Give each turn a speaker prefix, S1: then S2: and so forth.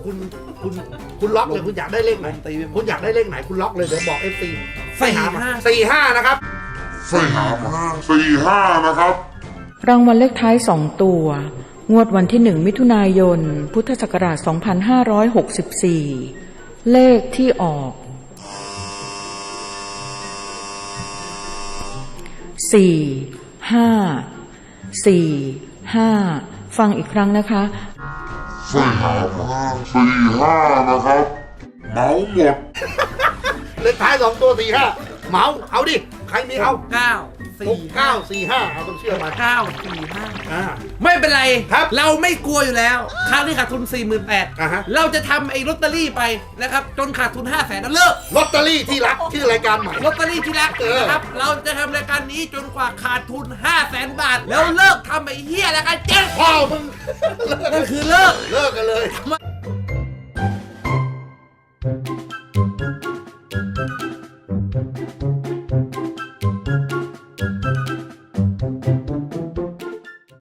S1: คุณคุณล็อกเลยคุณอยากได้เลขไหนคุณอยากได้เลขไหนคุณล็อกเลยเดี๋ยวบอก FC 45นะครับ
S2: 45นะครับ
S3: รางวัลเลขท้าย2ตัวงวดวันที่1มิถุนายนพุทธศักราช2564เลขที่ออก4-5-4-5ฟังอีกครั้งนะคะ
S2: 45นะครับเมาหมด
S1: เลขท้าย2ตัว45เหมาเอาดิใครมีเอา6945เอาต้องเชื่อมา
S4: 945ไม่เป็นไร
S1: ครับ
S4: เราไม่กลัวอยู่แล้วครั้งที่ขาดทุน 48,000เราจะทำไอ้ลอตเตอรี่ไปนะครับจนขาดทุน 500,000แล้วเลิก
S1: ลอตเตอรี่ที่รักชื่อรายการใหม่
S4: ลอตเตอรี่ที่รักนะครับเราจะทำรายการนี้จนกว่าขาดทุน 500,000 บาทแล้วเลิกทำไอ้เหี้ยรายการเจ๊ง
S1: พ่อมึง
S4: นั่นคือเลิก
S1: กันเลย